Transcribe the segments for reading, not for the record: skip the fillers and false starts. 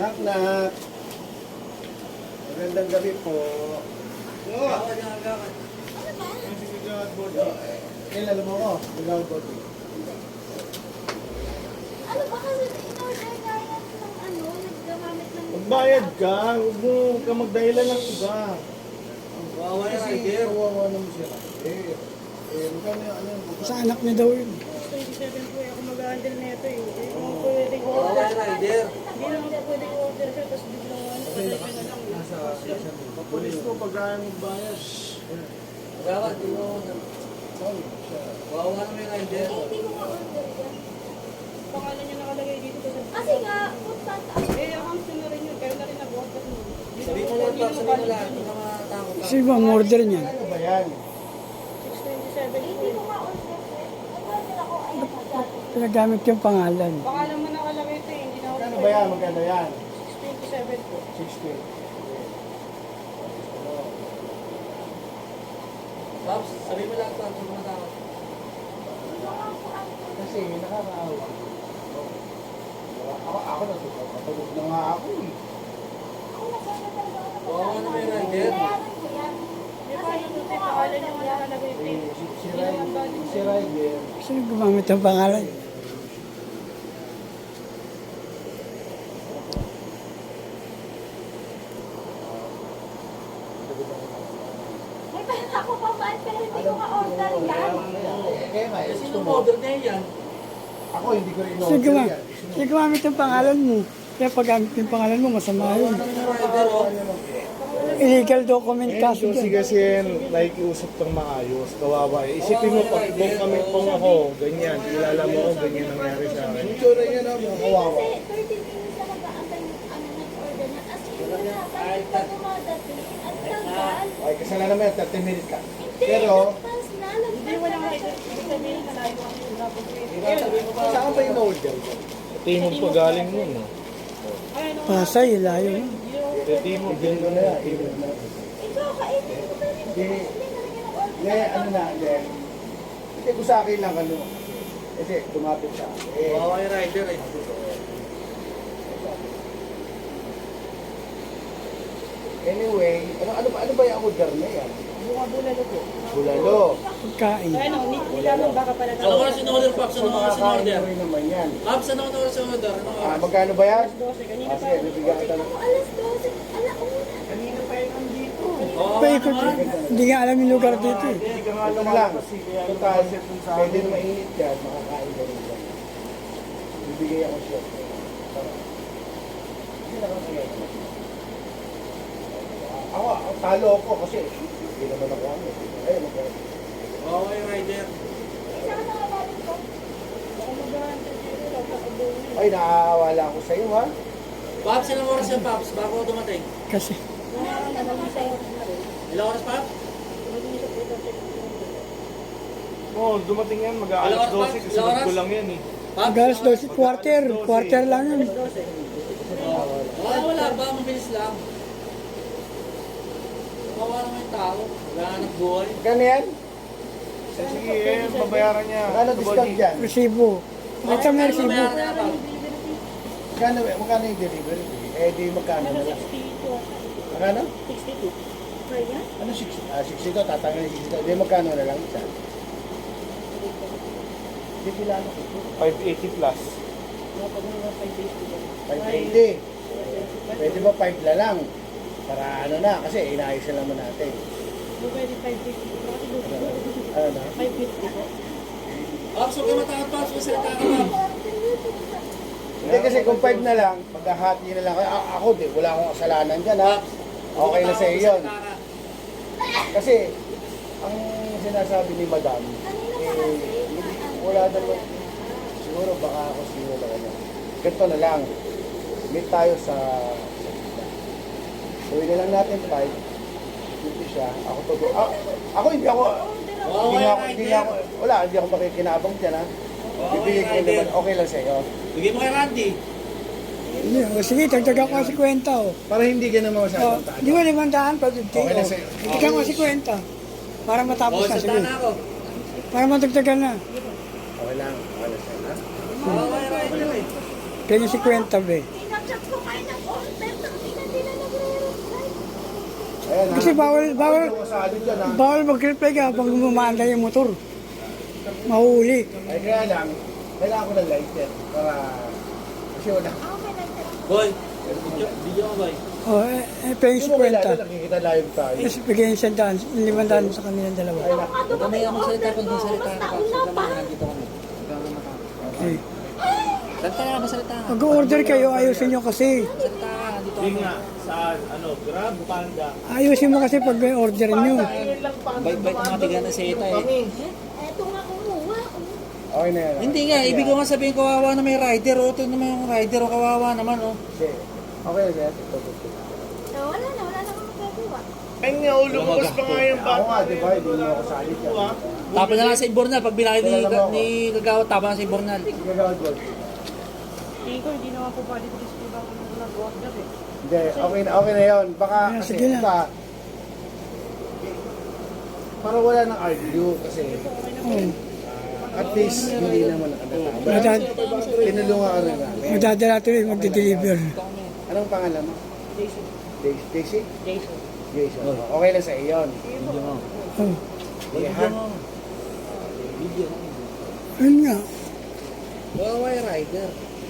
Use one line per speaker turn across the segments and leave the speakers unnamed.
Knock, knock. Magandang gabi po. Kailan mo ko? Gagawin ko.
Ano ba kasi in-order nga yan ng ano, naggamamit ng...
Magbayad ka. Huwag mo ka magdahilan ng iba.
Wawa na
Kasi
rider.
kawawa naman siya. Magkano yung ano yung
Sa anak niya daw yun.
27 po ako mag-handle nito eh. Hindi naman pwede ko
Wawa
order.
na rider.
Hindi naman po pwede ko order siya, tapos biglang ano, patay ka na lang.
Pulis mo pag kaya magbayad.
Wawa, di mo. Wawa na may rider.
Eh, hindi ko ma-order yan.
Pangalan niya nakalagay dito.
Kasi nga, punta
Eh, account ko na rin yun, kaya na rin nag-order mo.
Sabi mo lang, Pap, sabi mo lang. Hindi ka makatakot ka.
Sino ba ang order niya?
Ano ba yan?
627 po
hindi
eh.
ko ma-order. Nag-order ako, ay nagdati.
Pinagamit yung pangalan.
Pangalan mo nakalagay ito eh, hindi na ako
Magkano ba yan? Magkano yan?
627 po.
60.
Paps, sabi mo lang, Paps, hindi ka matakot.
Kasi nakakaawa. Ako natutulog na nga ako eh.
Wawa na may rider.
Bayaran ko yan.
Di ba, yung ito eh, pangalan niya nga nakalagay ito eh.
Si Ryder.
Sino gumamit ng pangalan?
May pera ako pambaan, pero hindi ko ma-order yan.
Kaya nga,
Eh,
gusto
sino
mo.
mo order niya yan?
Ako hindi ko rin
Sino,
in-order
gumamit,
yan.
sino gumamit ng pangalan mo? Kaya pag gamit yung pangalan mo, masama
Wawa
yun.
na may rider, oh.
Illegal document
Eh,
kaso
Josie
dyan.
kasi nakikiusap ng maayos, kawawa eh. Isipin mo, pag kung kami pong ako, ganyan, kilala mo ako, ganyan nangyari sa akin. Itsura niya na, kawawa.
Kasi 30 minutes na nag-aantay ng ano nag-order niya. As in, wala. Pag dumadating, ang tagal.
Ay, kasalanan mo yan, 30 minutes ka.
Hindi,
Pero,
nagpas na.
Hindi, walang rider. Ibig sabihin, malayo ang sinabot ko eh.
Sabi mo pa.
saan ba yung order?
Timog pa galing nun.
Ay, ano nga,
Pasay, layo yun.
Timog
Bigyan ko na yan. Timog na.
Ikaw, kainin mo pa rin.
Hindi,
Hindi na rin yan ang order.
hindi, ano na, hindi. Hindi ko sa akin lang, ano. Kasi, tumapit siya. Eh,
Wawa yung rider, eh.
anyway, ano ba yung order na yan?
bunga bulalo po.
Bulalo.
Pagkain.
Ay, ano, nilamang baka pala
Ano oras in-order, Paps? Ano oras
Makakain
in-order?
mo rin naman yan.
Paps, ano oras in-order? Ano oras?
Magkano ba yan?
12, kanina
Ah,
pa.
sige, bibigyan kita ng...
Ako alas 12, alauna.
Kanina pa yun nandito.
Wawa
Paikot.
naman.
Hindi nga alam yung lugar dito eh.
Hindi ka nga lang. Total, pwede na mainit yan, makakain ka rin yan. Bibigay ako siya. Hindi na kasi yan. Ako, talo ako kasi hindi naman ako ano. Ayun, magkano.
Wawa yung rider.
Saan na galing ko?
Baka mag-handle dito, kakabong yun.
Ay, naaawala ako sa iyo, ha?
Paps, ilang oras yan, Paps? Bago ako dumating.
Kasi
Ilang oras, Paps?
Oo, dumating yan,
Alas
mag-aalas 12
pa?
kasi
Oras?
ko lang yan eh.
Paps?
galas 12, quarter lang yun.
Wala ba? Mabilis lang. Wawa naman yung tao. Naghahanap buhay.
Magkano yan?
Sige, eh, babayaran niya.
Magkano discount dyan?
Resibo. Ito may resibo.
Babayaran na, Paps.
Magkano yung delivery? Eh, di magkano na lang.
62.
Magkano?
62. Kaya?
Ano 60? 62, tatanggal yung 62. Di magkano na lang isa? Di pilano ko.
580 plus.
Kapag mga 5 days ko yan.
580. Pwede ba 5 na lang? Para ano na, kasi inayos na naman natin.
Pwede 550 po. Kasi doon
Ano na?
550 po.
Paps, huwag ka matakot, Paps. Masalita ka, Paps.
Hindi kasi kung 5 na lang, maghahati na lang. Ako, di, wala akong kasalanan dyan, ha?
Paps.
Okay na sa iyo yun.
Masalita ka.
Kasi, ang sinasabi ni Madam, wala naman, siguro baka ako sino na kanya. Ganito na lang, meet tayo sa gawin na lang natin 5, dito siya, ako to, ako hindi ako, hindi ako makikinabang dyan, ha? Bibigay ko naman, okay lang sa'yo.
Bigay mo kay Randy.
Hindi, o sige, dagdagan ko si kwenta o.
Para hindi ka naman
O,
masyadong tayo.
di ba 500 pa 50
Okay na
o.
sa'yo.
Dagdagan ko si kwenta. Para matapos na,
salita
sige.
na ako.
Para matagdagan na.
Okay lang sa'yo, ha?
Wawa yung rider, eh.
Kaya si kwenta be.
Ingat Nag-chat ko kayo ng order. Hindi na nagre-reply.
Ayan, ha?
Kasi bawal-
Hindi ko kasali dyan, ha?
Bawal mag-reply ka pag umanda yung motor. Mahuli.
Ay, kaya lang, kailangan ko ng lighter para kasi wala.
Okay lang sir.
Boy, video mo boy.
O, pengs
Hindi mo kailangan,
kwenta.
nakikita live tayo.
Tapos bigyan yung 500 sa kanilang dalawa.
Ay, na.
Ako dumating yung order ko. Basta una pa.
Nandito kami.
Okay.
Salita ka, masalita ka.
Mag-order kayo, ayusin nyo kasi.
Salita ka, nandito
Hindi
kami.
nga, saan, Grab, Panda.
Ayusin mo kasi pag may order nyo.
Bait-bait ang mga tiga na sa ita eh.
Eto nga kumuha.
Okay na yan.
Hindi nga, ibig ko nga sabihin kawawa na may rider. O, ito naman yung rider. O, kawawa naman, o.
Okay. Okay na yan. Ito.
Wala na akong magagawa.
Ay nga, lumabas pa nga yung
Ako nga, di ba? Hindi mo ako sali dyan.
Tapos na lang sa Ibornal. Pag binakit ni Gagawad, tapos na sa Ibornal.
Sige, gawad, gawad.
Tingin ko, hindi naman po pwede dispute ako nung nag-order eh.
Hindi, okay na yun. Baka
Yeah,
kasi
sige na.
iba, para wala nang argue kasi
Oh,
at least hindi naman nakatama.
madad
Tinulungan ka rin namin.
madadala tuloy magde-deliver.
Anong pangalan mo?
Jason.
Daisy?
Jason.
Jason. Okay lang sa iyo yun.
Video mo.
Oh,
Sige, ha?
Video mo.
yun nga.
Kawawa yung rider.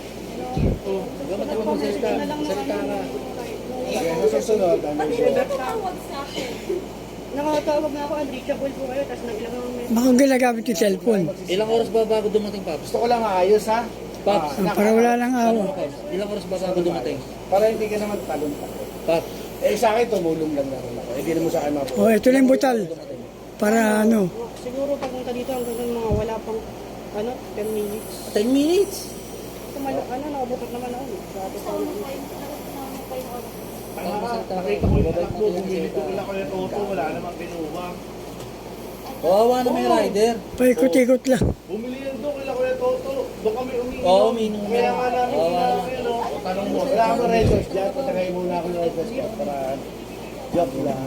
O, gamit ako mo salita. Salita ka.
Sige, sa susunod, ano
Ba't
yun?
hindi ka tumawag sa akin?
Nakatawag na ako, unreachable po kayo, tapos nag-ilang ang message.
Baka ginagamit yung cellphone.
Ilang oras ba bago dumating, Paps?
Gusto ko lang maayos, ha?
Paps.
Para wala lang awa.
Paps, ilang oras ba bago dumating?
Para hindi ka naman talon-talon.
Paps.
Eh, sa akin, tumulong lang naman ako. Hindi naman sa akin mapo.
Oh, ito lang yung butal. Para ano.
Siguro pagpunta dito hanggang ng mga wala pang 10 minutes.
10 minutes.
Nakabutot naman ako. Sabi ko,
Ano pa yung ano pa yung order?
Nakita ko yung anak mo, bumili ko kila ko yung auto, wala namang binuha.
Kawawa na may rider.
Paikot-ikot lang.
Bumili yan doon, kila ko yung auto. Doon kami umiinom.
Oo, umiinom
Kaya
na.
nga namin
Oo,
ginagawa yun, no? Tanong mo.
Wala akong red horse dyan. Patagay muna ako ng red horse dyan para joke lang.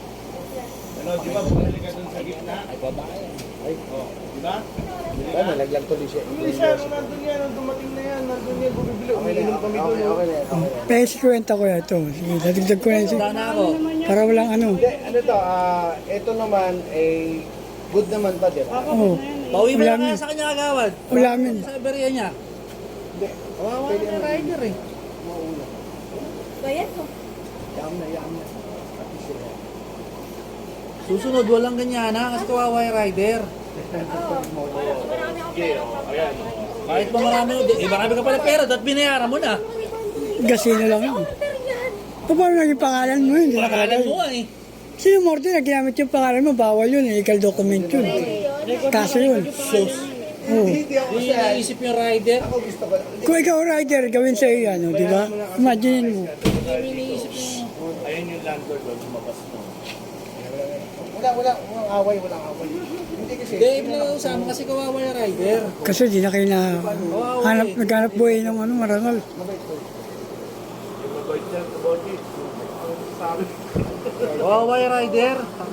Di ba, bumili ka doon sa gitna?
Ay, babae.
Ay,
Di ba?
diba? Nalaglag tuloy siya.
Bumili siya, nung nandun yan, nung dumating na yan, nandun yan, bumibili.
Okay na,
Umiinom kami
okay,
doon.
okay na, okay na.
Pengs kwenta ko ito. Sige, dadagdag ko na yun.
Tanda na ako.
Para walang ano.
Hindi, ano to, ito naman, good naman to, di ba?
Oh,
Pauwi mo
Wala
lang kaya
min.
sa kanya agawad.
Ulamin.
Sa Iberia niya.
Hindi,
Kawawa
pwede
na may
naman.
rider eh.
Mauna.
Bayad mo.
Yam na. At least sila.
Susunod, walang ganyan ha, kasi kawawa yung rider.
Marami akong pera pa.
Kahit pa marami, marami ka pala pera, dapat binayaran mo na.
gasino lang yun.
Order yan.
Paano naging pangalan mo? Hindi
Pangalan
nakalagay.
mo nga eh.
Sino mo order na ginamit yung pangalan mo? Bawal yun. Legal document yun. Kaso yun.
Sus.
Oh.
Hindi ako
Hindi
kasi,
naisip yung rider.
ako gusto ko.
Kung ikaw rider, gawin sa iyo yan, di ba? Imagine mo.
Hindi naisip yung...
Ayun yung landlord doon, lumabas mo.
Walang away. Hindi kasi.
Hindi, ibig na usama kasi kawawa yung rider.
Kasi di na kayo na naghanap buhay ng ano, marangal.
Mabait ko.
Yung mabait siya, kaboti. Sabi.
Kawawa yung rider.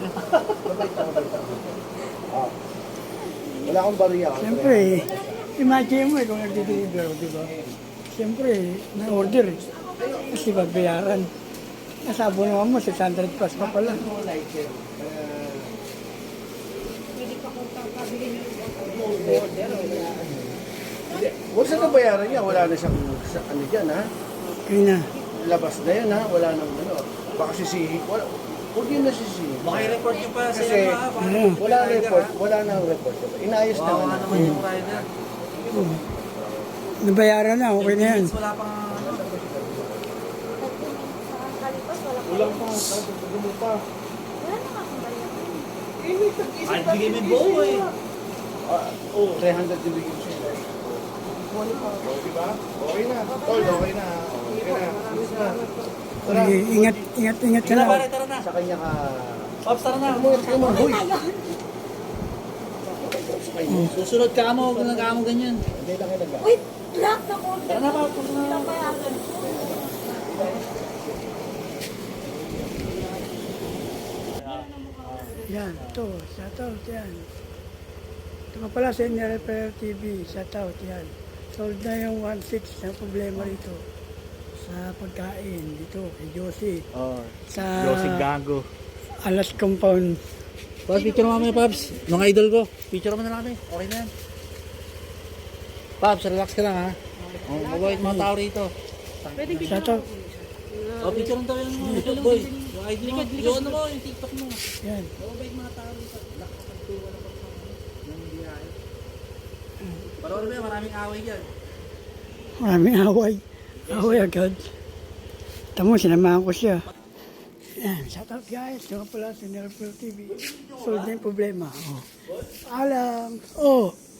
Ah. Wala akong bariya.
Siyempre, imagine mo kung nagdi-deliver, di ba? Siyempre, na-order eh. Kasi magbayaran. Nasabo naman mo, 600 plus pa pala.
Huwag sa nabayaran niya, wala na siyang ano dyan ha.
Kaya na.
Labas na yan ha, wala nang ano. Baka sisihi, huwag yun na sisihi.
Maki-report niyo pa
Kasi wala nang report, wala nang report. Inayos na
Kawawa
nga.
naman yung rider.
Nabayaran na, okay na yan.
Wala pang...
Sa kalipas, wala pa.
Ulang pa, gulo pa.
Wala na akong bayad.
Ay, bigay mo yung buo eh.
300 yung bigyan siya.
Diba? Okay na. Tol, okay na. Okay na. Alis na.
Sige, ingat ka
Tara
na.
pare, tara na.
Sa kanya ka...
Pops, tara na.
Huy!
Susunod ka mo, huwag na ka mo ganyan.
Hindi lang yung nag
Wait, black na order.
Tara na, Pops.
Hindi lang bayaran.
Yan, ito, shoutout yan. Ito ka pala sa Repair TV, shoutout yan. Solved na yung 1.6 na problema rito. sa pagkain dito kay Josie.
Oh.
Sa
Gago.
Alas Compound.
Paps, picture mo kami, Paps. Mga idol ko. Picture mo na lang kami. Okay na yan. Paps, relax ka lang ha. Oh, mabait mga tao rito.
Pwede
Shout out.
Oh, picture mo daw yan mo. Boy, yung ID mo. Yung ano mo, yung TikTok mo.
Yan.
Mabait mga tao rito. Nakakagtuwa na pa sa ng biyahe. Pero ano ba yan, maraming away dyan.
Maraming away. Away agad. Tamo, sinamahan ko siya. Yan, shout out guys. Ito nga pala si Nerfel TV. Solve na yung problema. Oh. Alam. Oh.